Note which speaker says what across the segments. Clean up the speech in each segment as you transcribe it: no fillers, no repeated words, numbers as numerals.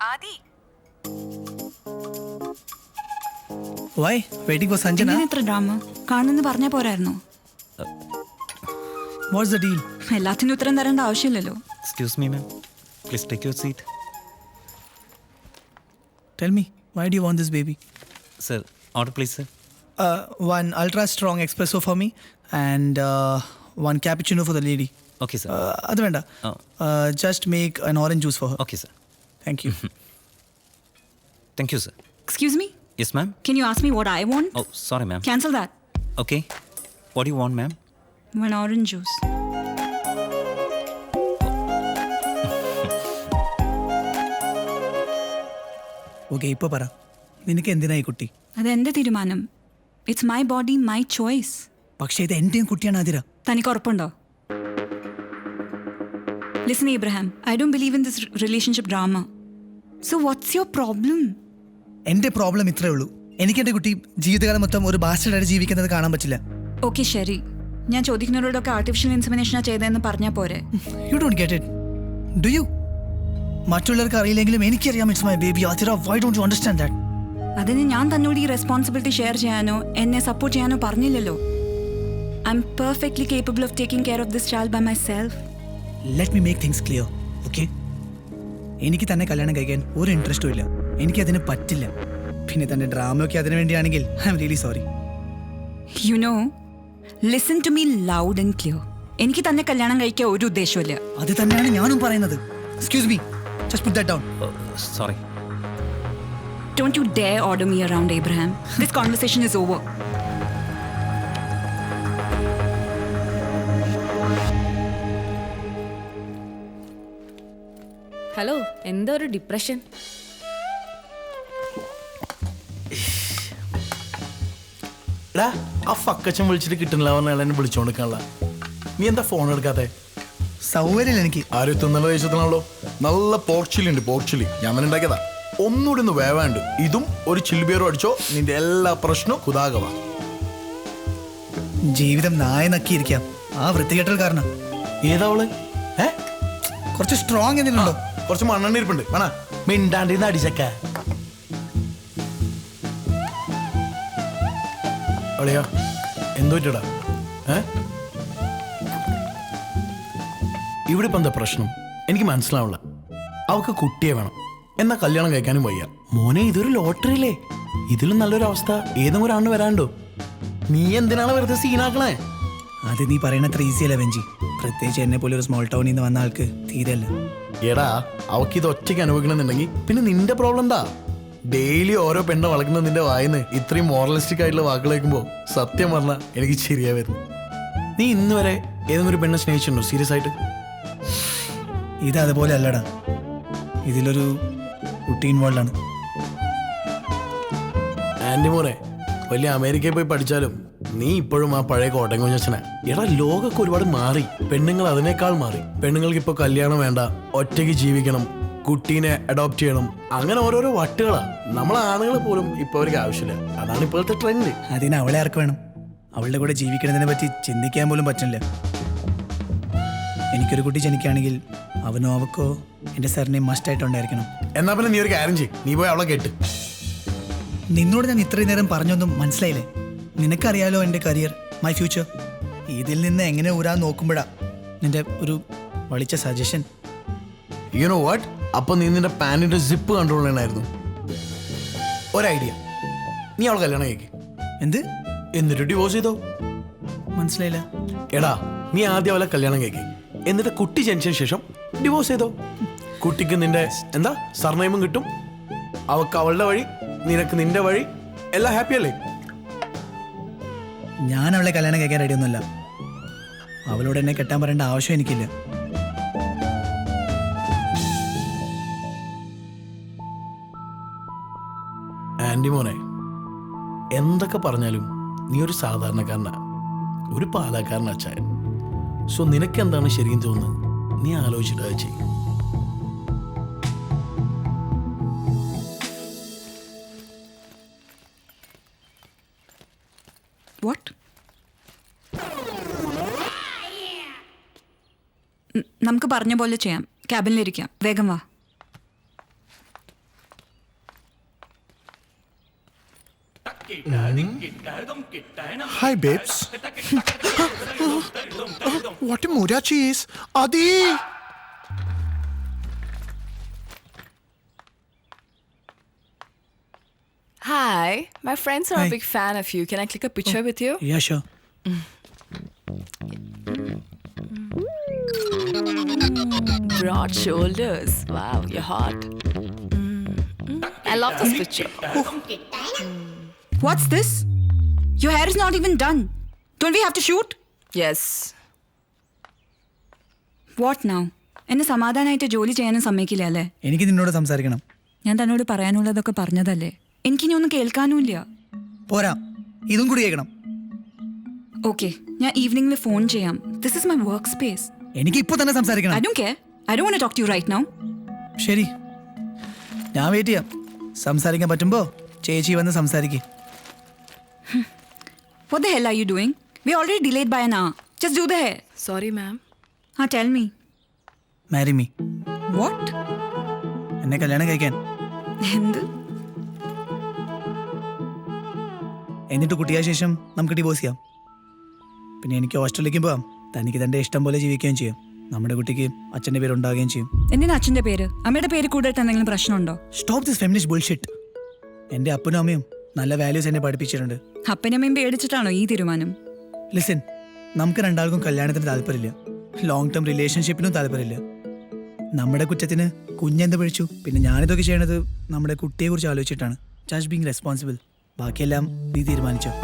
Speaker 1: Adi.
Speaker 2: Why? Waiting for Sanjana?
Speaker 3: ഇത്ര drama കാണുന്നെന്ന് പറഞ്ഞാ പോരായിരുന്നോ?
Speaker 2: What's the deal?
Speaker 3: എല്ലാത്തിനും ഉത്തരം തരേണ്ട ആവശ്യമില്ലല്ലോ.
Speaker 4: Excuse me, ma'am. Please take your seat.
Speaker 2: Tell me, why do you want this baby?
Speaker 4: Sir, order please, sir.
Speaker 2: One ultra strong espresso for me and one cappuccino for the lady.
Speaker 4: Okay, sir.
Speaker 2: Adu venda. Just make an orange juice for her.
Speaker 4: Okay, sir.
Speaker 2: Thank you.
Speaker 4: Thank you, sir.
Speaker 3: Excuse me?
Speaker 4: Yes, ma'am.
Speaker 3: Can you ask me what I want?
Speaker 4: Oh, sorry, ma'am.
Speaker 3: Cancel that.
Speaker 4: Okay. What do you want, ma'am?
Speaker 3: One orange juice.
Speaker 2: Okay, ഇപ്പോൾ പറ. നിനക്ക് എന്തിനായി കുട്ടി?
Speaker 3: അതെന്റെ തീരുമാനം. It's my body, my choice.
Speaker 2: പക്ഷേ ഇത് എന്റെയും കുട്ടിയാണ് ആതിര.
Speaker 3: തനിക്ക് ഉറപ്പുണ്ടോ? Listen, Abraham, I don't believe in this relationship drama. So what's your problem?
Speaker 2: എന്റെ പ്രോബ്ലം ഇത്രേ ഉള്ളൂ. എനിക്ക് എന്റെ കുട്ടി ജീവിതകാലം മൊത്തം ഒരു ബാസ്റ്റർഡായിട്ട് ജീവിക്കുന്നത് കാണാൻ പറ്റില്ല.
Speaker 3: ഓക്കെ ശരി, ഞാൻ ചോദിക്കുന്നവരോടൊക്കെ ആർട്ടിഫിഷ്യൽ ഇൻസെമിനേഷനാ ചെയ്തതെന്ന് പറഞ്ഞാൽ പോരെ?
Speaker 2: You don't get it. Do you? മറ്റുള്ളവർക്ക് അറിയില്ലെങ്കിലും എനിക്കറിയാം it's my baby Athira. Why don't you understand that?
Speaker 3: അതിന് ഞാൻ തന്നോട് ഈ റെസ്പോൺസിബിലിറ്റി ഷെയർ ചെയ്യാനോ എന്നെ സപ്പോർട്ട് ചെയ്യാനോ പറഞ്ഞില്ലല്ലോ. I'm perfectly capable of taking care of this child by myself.
Speaker 2: Let me make things clear, okay? എനിക്ക് തന്നെ കല്യാണം കഴിക്കാൻ ഒരു ഇൻട്രസ്റ്റും ഇല്ല. എനിക്കതിന് പറ്റില്ല. പിന്നെ തന്റെ ഡ്രാമയൊക്കെ അതിനു വേണ്ടിയാണെങ്കിൽ I'm really sorry.
Speaker 3: You know, listen to me loud and clear. എനിക്ക് തന്നെ കല്യാണം കഴിക്കാൻ ഒരു ഉദ്ദേശമില്ല.
Speaker 2: അത് തന്നെയാണ് ഞാനും പറയുന്നത്. Excuse me, just put that down.
Speaker 4: Sorry.
Speaker 3: Don't you dare order me around, Abraham. This conversation is over.
Speaker 5: Hello, എന്താ ഒരു ഡിപ്രഷൻ?
Speaker 6: ആ ഫക്കച്ചൻ വിളിച്ചിട്ട് കിട്ടുന്നില്ല പറഞ്ഞാൽ എന്നെ വിളിച്ചോണ്ടിരിക്കാനുള്ള. നീ എന്താ ഫോൺ എടുക്കാത്തെ?
Speaker 2: സൗകര്യം എനിക്ക്
Speaker 6: ആരും തിന്നല ദേശത്തിനാണല്ലോ. നല്ല പോർച്ചിലി ഉണ്ട്, പോർച്ചിലി ഞാൻ തന്നെ ഉണ്ടാക്കിയതാ. ഒന്നുകൂടി ഒന്ന് വേവാണ്ട് ഇതും ഒരു ചില്ലുബിയറും അടിച്ചോ, നിന്റെ എല്ലാ പ്രശ്നവും കുതാകവാ.
Speaker 2: ജീവിതം നായ നക്കിയിരിക്കാം ആ വൃത്തികെട്ടൽ കാരണം.
Speaker 6: ഏതാവള്?
Speaker 2: കുറച്ച് സ്ട്രോങ് എന്തിനുണ്ടോ?
Speaker 6: കുറച്ച് മണ്ണെണ്ണ ഇരിപ്പുണ്ട്, വേണ മിണ്ടാണ്ടിന്ന് അടിച്ചക്ക. അളിയാ എന്തോ പറ്റടാ? ഇവിടെ ഇപ്പം എന്താ പ്രശ്നം എനിക്ക് മനസ്സിലാവില്ല. അവൾക്ക് കുട്ടിയെ വേണം, എന്നാ കല്യാണം കഴിക്കാനും വയ്യ. മോനെ ഇതൊരു ലോട്ടറി അല്ലേ? ഇതിലും നല്ലൊരു അവസ്ഥ ഏതെങ്കിലും ഒരാണ് വരാണ്ടോ? നീ എന്തിനാണ് വെറുതെ സീനാക്കണേ?
Speaker 2: അത് നീ പറയണത്ര ഈസി അല്ല വെഞ്ചി. പ്രത്യേകിച്ച് എന്നെ പോലെ ഒരു സ്മോൾ ടൗണിൽ നിന്ന് വന്ന ആൾക്ക് തീരെയല്ല.
Speaker 6: എടാ അവൾക്ക് ഇത് ഒറ്റയ്ക്ക് അനുഭവിക്കണമെന്നുണ്ടെങ്കിൽ പിന്നെ നിന്റെ പ്രോബ്ലം എന്താ? ഡെയിലി ഓരോ പെണ്ണ വളക്കുന്ന നിന്റെ വായിന്ന് ഇത്രയും മോറലിസ്റ്റിക് ആയിട്ടുള്ള വാക്കുകൾ കേൾക്കുമ്പോൾ സത്യം പറഞ്ഞാൽ എനിക്ക് ശരിയാ വരുന്നു. നീ ഇന്ന് വരെ ഏതെങ്കിലും ഒരു പെണ്ണെ സ്നേഹിച്ചിട്ടുണ്ടോ സീരിയസ് ആയിട്ട്?
Speaker 2: ഇത് അതുപോലെ അല്ലടാ, ഇതിലൊരു കുട്ടി ഇൻവോൾവ് ആണ്.
Speaker 6: ആൻറ്റി മോനെ വലിയ അമേരിക്കയിൽ പോയി പഠിച്ചാലും നീ ഇപ്പോഴും ആ പഴയ കോട്ടയം കുഞ്ഞച്ചനാ. എടാ ലോകമൊക്കെ ഒരുപാട് മാറി, പെണ്ണുങ്ങൾ അതിനേക്കാൾ മാറി. പെണ്ണുങ്ങൾക്ക് ഇപ്പോൾ കല്യാണം വേണ്ട, ഒറ്റയ്ക്ക് ജീവിക്കണം, കുട്ടീനെ അഡോപ്റ്റ് ചെയ്യണം, അങ്ങനെ ഓരോരോ വട്ടുകളാ. നമ്മളെ ആണുങ്ങൾ പോലും ഇപ്പൊ അവർക്ക് ആവശ്യമില്ല. അതാണ് ഇപ്പോഴത്തെ ട്രെൻഡ്.
Speaker 2: അതിന് അവളെ ആർക്ക് വേണം? അവളുടെ കൂടെ ജീവിക്കുന്നതിനെ പറ്റി ചിന്തിക്കാൻ പോലും പറ്റില്ല. എനിക്കൊരു കുട്ടി ജനിക്കുകയാണെങ്കിൽ അവനോ അവക്കോ എൻ്റെ സർനെയിം മസ്റ്റായിട്ടുണ്ടായിരിക്കണം.
Speaker 6: എന്നാ പിന്നെ നീ ഒരു കാര്യം ചെയ്യും, നീ പോയി അവളെ കേട്ട്.
Speaker 2: നിന്നോട് ഞാൻ ഇത്രയും നേരം പറഞ്ഞൊന്നും മനസ്സിലായില്ലേ? നിനക്കറിയാലോ എൻ്റെ കരിയർ, മൈ ഫ്യൂച്ചർ. ഇതിൽ നിന്ന് എങ്ങനെ ഊരാൻ നോക്കുമ്പോഴാ നിന്റെ ഒരു വളിച്ച സജഷൻ.
Speaker 6: You know what? അപ്പൊ നീ നിന്റെ പാൻറ്റിന്റെ സിപ്പ് കൺട്രോൾ ചെയ്യണമായിരുന്നു. ഒരു ഐഡിയ, നീ അവളെ കല്യാണം കഴിക്ക്.
Speaker 2: എന്ത്?
Speaker 6: എന്നിട്ട് ഡിവോഴ്സ് ചെയ്തോ?
Speaker 2: മനസ്സിലായില്ല.
Speaker 6: എടാ നീ ആദ്യം അവളെ കല്യാണം കഴിക്ക്, എന്നിട്ട് കുട്ടി ജനിച്ചതിന് ശേഷം ഡിവോഴ്സ് ചെയ്തോ. കുട്ടിക്ക് നിന്റെ എന്താ സർനെയിമും കിട്ടും, അവൾക്ക് അവളുടെ വഴി, നിനക്ക് നിന്റെ വഴി, എല്ലാം ഹാപ്പി അല്ലേ?
Speaker 2: ഞാൻ അവളെ കല്യാണം കഴിക്കാൻ റെഡിയൊന്നുമല്ല. അവളോട് എന്നെ കെട്ടാൻ പറയേണ്ട ആവശ്യം എനിക്കില്ല.
Speaker 6: ആൻറ്റി മോനെ എന്തൊക്കെ പറഞ്ഞാലും നീ ഒരു സാധാരണക്കാരനാ, ഒരു പാലക്കാരൻ അച്ചായൻ. സോ നിനക്ക് എന്താണ് ശരിക്കും തോന്നുന്നത് നീ ആലോചിച്ചിട്ട് അത് ചെയ്യും.
Speaker 3: What? നമുക്ക് പറഞ്ഞ പോലെ ചെയ്യാം. ക്യാബിനിലിരിക്കാം, വേഗം വാ.
Speaker 1: Hi, babes. What a Mura cheese. Adi!
Speaker 7: Hi, my friends are
Speaker 2: Hi.
Speaker 7: a big fan of you. Can I click a picture with you?
Speaker 2: Yeah, sure.
Speaker 7: Broad shoulders. Wow, you're hot. I love this picture.
Speaker 3: What's this? Your hair is not even done. Don't we have to shoot?
Speaker 7: Yes.
Speaker 3: What now? എന്നെ സമാധാനമായിട്ട് ജോലി ചെയ്യാനും സമ്മതിക്കില്ല അല്ലേ?
Speaker 2: എനിക്ക് നിന്നോട് സംസാരിക്കണം.
Speaker 3: ഞാൻ തന്നോട് പറയാനുള്ളതൊക്കെ പറഞ്ഞതല്ലേ? എനിക്കിനി ഒന്നും കേൾക്കാനുമില്ല.
Speaker 2: പോരാ, ഇതും കൂടി കേൾക്കണം.
Speaker 3: ഓക്കെ, ഞാൻ ഈവനിംഗിൽ ഫോൺ ചെയ്യാം. This is my work space.
Speaker 2: എനിക്ക് ഇപ്പൊ തന്നെ സംസാരിക്കണം.
Speaker 3: I don't care. I don't want to talk to you right now.
Speaker 2: ശരി, ഞാൻ വെയിറ്റ് ചെയ്യാം. സംസാരിക്കാൻ പറ്റുമ്പോ ചേച്ചി വന്ന് സംസാരിക്ക്.
Speaker 3: What the hell are you doing? We already delayed by an hour. Just do the hair.
Speaker 7: Sorry, ma'am.
Speaker 3: Tell me.
Speaker 2: Marry me.
Speaker 3: What?
Speaker 2: എന്നെ കല്യാണം കഴിക്കാൻ.
Speaker 3: എന്ത്?
Speaker 2: എന്നിട്ട് കുട്ടിയായ ശേഷം നമുക്ക് ഡിവോഴ്സ് ചെയ്യാം. പിന്നെ എനിക്ക് ഓസ്ട്രേലിയക്കും പോവാം. തനിക്ക് തൻ്റെ ഇഷ്ടം പോലെ ജീവിക്കുകയും ചെയ്യും. നമ്മുടെ കുട്ടിക്ക് അച്ഛൻ്റെ പേര് ഉണ്ടാകുകയും ചെയ്യും.
Speaker 3: എന്തിനാ അച്ഛൻ്റെ പേര്? അമ്മയുടെ പേര് കൂടിയിട്ട് എന്തെങ്കിലും പ്രശ്നമുണ്ടോ?
Speaker 2: Stop this feminist bullshit. എൻ്റെ അപ്പനും അമ്മയും നല്ല വാല്യൂസ് എന്നെ പഠിപ്പിച്ചിട്ടുണ്ട്.
Speaker 3: അപ്പനമ്മയും പേടിച്ചിട്ടാണോ ഈ തീരുമാനം?
Speaker 2: ലിസൺ, നമുക്ക് രണ്ടാൾക്കും കല്യാണത്തിന് താല്പര്യമില്ല. ലോങ് ടേം റിലേഷൻഷിപ്പിനും താല്പര്യമില്ല. നമ്മുടെ കുറ്റത്തിന് കുഞ്ഞെന്ത് പഴിച്ചു? പിന്നെ ഞാനിതൊക്കെ ചെയ്യണത് നമ്മുടെ കുട്ടിയെക്കുറിച്ച് ആലോചിച്ചിട്ടാണ്. Just being responsible. ബാക്കിയെല്ലാം നീ തീരുമാനിച്ചോ.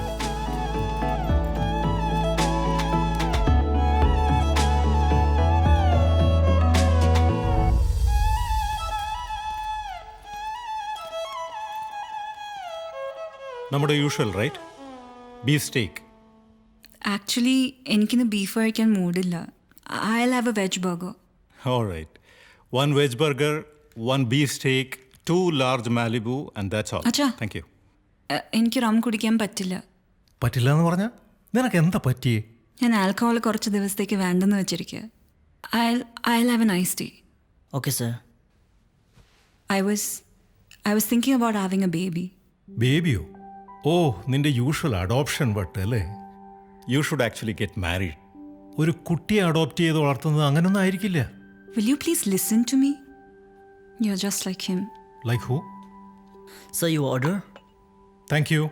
Speaker 8: നമ്മുടെ usual right, beef steak.
Speaker 3: Actually എനിക്കിന്ന് ബീഫ് കഴിക്കാൻ മൂഡില്ല. I'll have a veg burger.
Speaker 8: All right. 1 veg burger, 1 beef steak, 2 large Malibu, and that's all.
Speaker 3: അച്ഛാ.
Speaker 8: Thank you.
Speaker 3: എനിക്ക് റം കുടിക്കാൻ പറ്റില്ല.
Speaker 8: പറ്റില്ല എന്ന് പറഞ്ഞാൽ നിനക്ക് എന്താ പറ്റിയേ?
Speaker 3: ഞാൻ ആൽക്കഹോൾ കുറച്ച് ദിവസത്തേക്ക് വേണ്ടെന്ന് വെച്ചിരിക്കുക. I'll have an iced tea.
Speaker 2: Okay sir.
Speaker 3: I was thinking about having a baby.
Speaker 8: ബേബിയോ? ഓ, നിന്റെ യൂഷ്വൽ അഡോപ്ഷൻ വട്ട് അല്ലേ? You should actually get married. ഒരു കുട്ടിയെ അഡോപ്റ്റ് ചെയ്ത് വളർത്തുന്നത് അങ്ങനൊന്നും ആയിരിക്കില്ല.
Speaker 3: Will you please listen to me? You're just like him.
Speaker 8: Like who?
Speaker 2: Sir, you order?
Speaker 8: Thank you.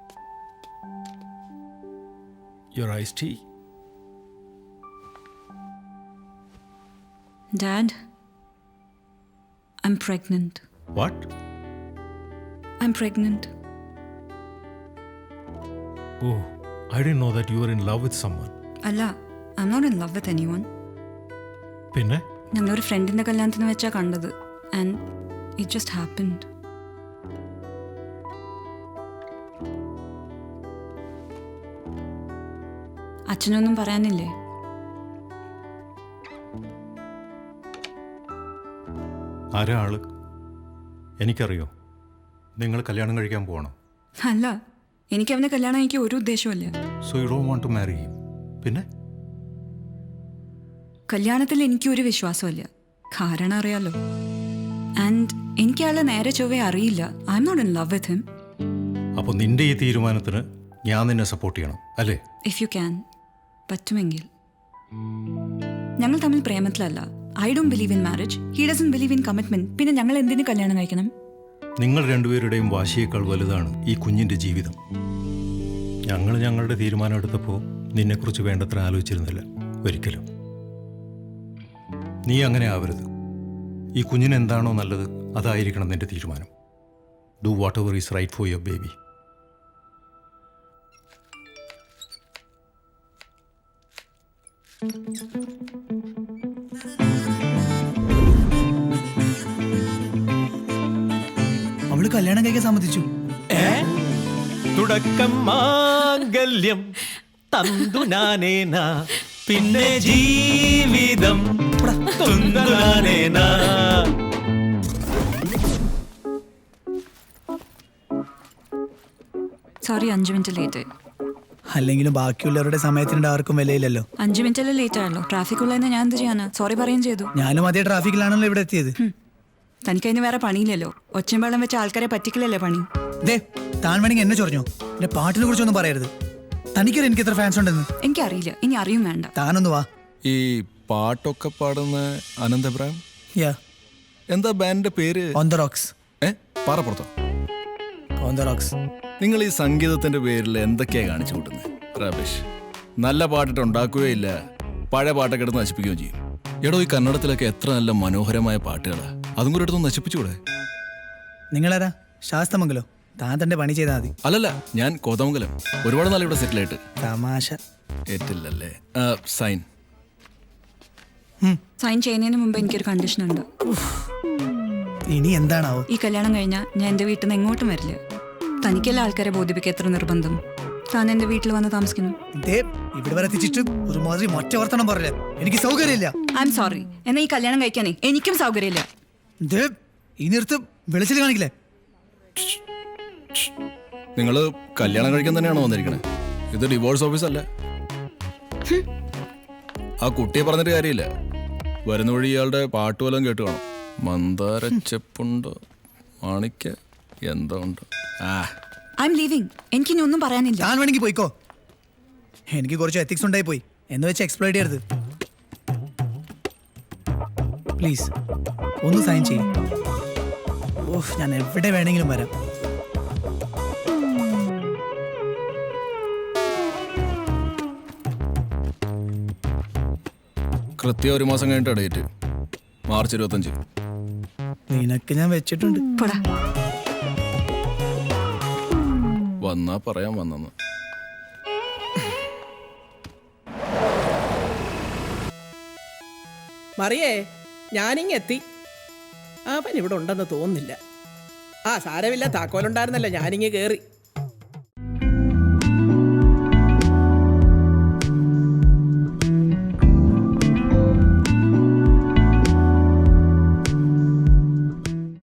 Speaker 8: Your iced tea.
Speaker 3: Dad, I'm pregnant.
Speaker 8: What?
Speaker 3: I'm pregnant.
Speaker 8: Oh, I didn't know that you were in love with someone.
Speaker 3: അല്ല, I'm not in love with anyone.
Speaker 8: പിന്നെ?
Speaker 3: ഞങ്ങളൊരു ഫ്രണ്ടിന്റെ കല്യാണത്തിന് വെച്ചാ കണ്ടത്. And it just happened. അച്ഛനൊന്നും പറയാനില്ലേ?
Speaker 8: ആരാ ആള്? എനിക്കറിയോ. നിങ്ങൾ കല്യാണം കഴിക്കാൻ പോകണം.
Speaker 3: അല്ല, എനിക്ക് അവനെ കല്യാണം കഴിക്കാൻ ഒരു ഉദ്ദേശമില്ല.
Speaker 8: So you don't want to marry him. പിന്നെ?
Speaker 3: കല്യാണത്തിൽ എനിക്കൊരു വിശ്വാസമില്ല. കാരണം അറിയാലോ. ആൻഡ് എനിക്ക് ആളെ നേരെ ചൊവ്വേ അറിയില്ല. I'm not in love with him.
Speaker 8: അപ്പോൾ നിന്റെ ഈ തീരുമാനത്തിന് ഞാൻ നിന്നെ സപ്പോർട്ട് ചെയ്യണം അല്ലേ?
Speaker 3: ഇഫ് യു ക്യാൻ, പറ്റുമെങ്കിൽ. ഞങ്ങൾ തമ്മിൽ പ്രേമത്തിലല്ല. I don't believe in marriage. He doesn't believe in commitment. പിന്നെ ഞങ്ങൾ എന്തിനു കല്യാണം കഴിക്കണം?
Speaker 8: നിങ്ങൾ രണ്ടുപേരുടെയും വാശിയേക്കാൾ വലുതാണ് ഈ കുഞ്ഞിൻ്റെ ജീവിതം. ഞങ്ങൾ ഞങ്ങളുടെ തീരുമാനം എടുത്തപ്പോൾ നിന്നെക്കുറിച്ച് വേണ്ടത്ര ആലോചിച്ചിരുന്നില്ല ഒരിക്കലും. നീ അങ്ങനെ ആവരുത്. ഈ കുഞ്ഞിന് എന്താണോ നല്ലത് അതായിരിക്കണം നിന്റെ തീരുമാനം. Do whatever is right for your baby.
Speaker 2: അവള് കല്യാണം കഴിക്കാൻ സമ്മതിച്ചു.
Speaker 9: തുടക്കം മാംഗല്യം തന്തു നാനേന, പിന്നെ ജീവിതം തുന്തനാനേന.
Speaker 3: Sorry, 5 minute late.
Speaker 2: അല്ലെങ്കിലും ബാക്കിയുള്ളവരുടെ സമയത്തിൻ്റെ ആർക്കും വിലയില്ലല്ലോ.
Speaker 3: 5 മിനിറ്റല്ലേ ലേറ്റ് ആയല്ലോ. ട്രാഫിക് ഉള്ളതിന് ഞാൻ എന്ത് ചെയ്യാനാ? സോറി പറയുകയും ചെയ്തു.
Speaker 2: ഞാനും അതേ ട്രാഫിക്കിലാണല്ലോ ഇവിടെ എത്തിയത്.
Speaker 3: തനിക്കതിന് വേറെ പണിയില്ലല്ലോ. ഒച്ചയും വെള്ളം വെച്ച ആൾക്കാരെ പറ്റിക്കലല്ലേ പണി.
Speaker 2: ദേ താൻ വേണമെങ്കിൽ എന്നെ ചൊറിഞ്ഞോ, എന്റെ പാട്ടിനെ കുറിച്ചൊന്നും പറയരുത്. തനിക്കറിയാം എനിക്ക് എത്ര ഫാൻസ് ഉണ്ടെന്ന്.
Speaker 3: എനിക്കറിയില്ല, ഇനി അറിയും വേണ്ട.
Speaker 2: താനൊന്ന് വാ.
Speaker 10: ഈ പാട്ടൊക്കെ പാടുന്ന അനന്തപുരം
Speaker 2: യാ,
Speaker 10: എന്താ ബാൻഡിന്റെ പേര്?
Speaker 2: On the rocks.
Speaker 10: പാറപ്പുറത്തോ?
Speaker 2: On the rocks.
Speaker 10: നിങ്ങൾ ഈ സംഗീതത്തിന്റെ പേരിൽ എന്തൊക്കെയാ കാണിച്ചു കൂട്ടുന്നത്? റബീഷ്. നല്ല പാട്ടിട്ട് ഉണ്ടാക്കുകയില്ല, പഴയ പാട്ടൊക്കെ എടുത്ത് നശിപ്പിക്കുകയും ചെയ്യും. എടോ, ഈ കന്നഡത്തിലൊക്കെ എത്ര നല്ല മനോഹരമായ പാട്ടുകളാ, അതും കൂടെ എടുത്തൊന്ന് നശിപ്പിച്ചുകൂടെ?
Speaker 2: നിങ്ങളാരാ? ശാസ്തമംഗലോ? താൻ തന്റെ പണി ചെയ്താൽ മതി.
Speaker 10: അല്ലല്ല, ഞാൻ കോതമംഗലം. ഒരുപാട് നാൾ ഇവിടെ സെറ്റിൽ ആയിട്ട്.
Speaker 2: തമാശ.
Speaker 10: ഏറ്റില്ലല്ലേ? സൈൻ.
Speaker 3: സൈൻ ചെയ്യുന്നതിന് മുമ്പ് എനിക്കൊരു കണ്ടീഷൻ ഉണ്ട്.
Speaker 2: ഇനി എന്താണാവോ?
Speaker 3: ഈ കല്യാണം കഴിഞ്ഞാൽ ഞാൻ എൻ്റെ വീട്ടിൽ നിന്ന് എങ്ങോട്ടും വരില്ല. തനിക്കെല്ലാം ആൾക്കാരെ ബോധിപ്പിക്കുക എത്ര നിർബന്ധം. താൻ എൻ്റെ വീട്ടിൽ വന്ന് താമസിക്കണം.
Speaker 2: ഇവിടെ വരെ എത്തിച്ചിട്ട് ഒരുമാതിരി മൊറ്റ വർത്തനം പറയില്ല. എനിക്ക് സൗകര്യമില്ല.
Speaker 3: I'm sorry. എന്നാൽ ഈ കല്യാണം കഴിക്കാനേ എനിക്കും സൗകര്യമില്ല.
Speaker 2: ഈ നിർത്ത് വെളിച്ചിൽ കാണിക്കില്ലേ?
Speaker 10: നിങ്ങൾ കല്യാണം കഴിക്കാൻ തന്നെയാണോ വന്നിരിക്കണേ? ഇത് ഡിവോഴ്സ് ഓഫീസ് അല്ല. ആ കുട്ടിയെ പറഞ്ഞിട്ട് കാര്യമില്ല. വരുന്ന വഴി ഇയാളുടെ പാട്ട് വല്ലതും കേട്ട് കാണും. മന്ദാര ചെപ്പുണ്ടോ, മാണിക്ക എന്തോ ഉണ്ട്.
Speaker 3: I'm leaving. എനിക്കിനി ഒന്നും പറയാനില്ല.
Speaker 2: ഞാൻ വേണമെങ്കിൽ പോയിക്കോ. എനിക്ക് കുറച്ച് എത്തിക്സ് ഉണ്ടായി പോയി എന്ന് വെച്ച് എക്സ്പ്ലോയിറ്റ് ചെയ്യരുത് പ്ലീസ്. ഒന്ന് സൈൻ ചെയ്യും. ഓഹ്, ഞാൻ എവിടെ വേണമെങ്കിലും വരാം.
Speaker 10: കൃത്യം 1 മാസം കഴിഞ്ഞിട്ട് ഡേറ്റ്, മാർച്ച് 25.
Speaker 2: നിനക്ക് ഞാൻ വെച്ചിട്ടുണ്ട്.
Speaker 10: വന്നാ പറയാൻ വന്നെന്ന്.
Speaker 11: മറിയേ, ഞാനിങ്ങെത്തി. അവൻ ഇവിടെ ഉണ്ടെന്ന് തോന്നുന്നില്ല. സാരമില്ല, താക്കോലുണ്ടായിരുന്നല്ലോ, ഞാനിങ്ങ് കയറി.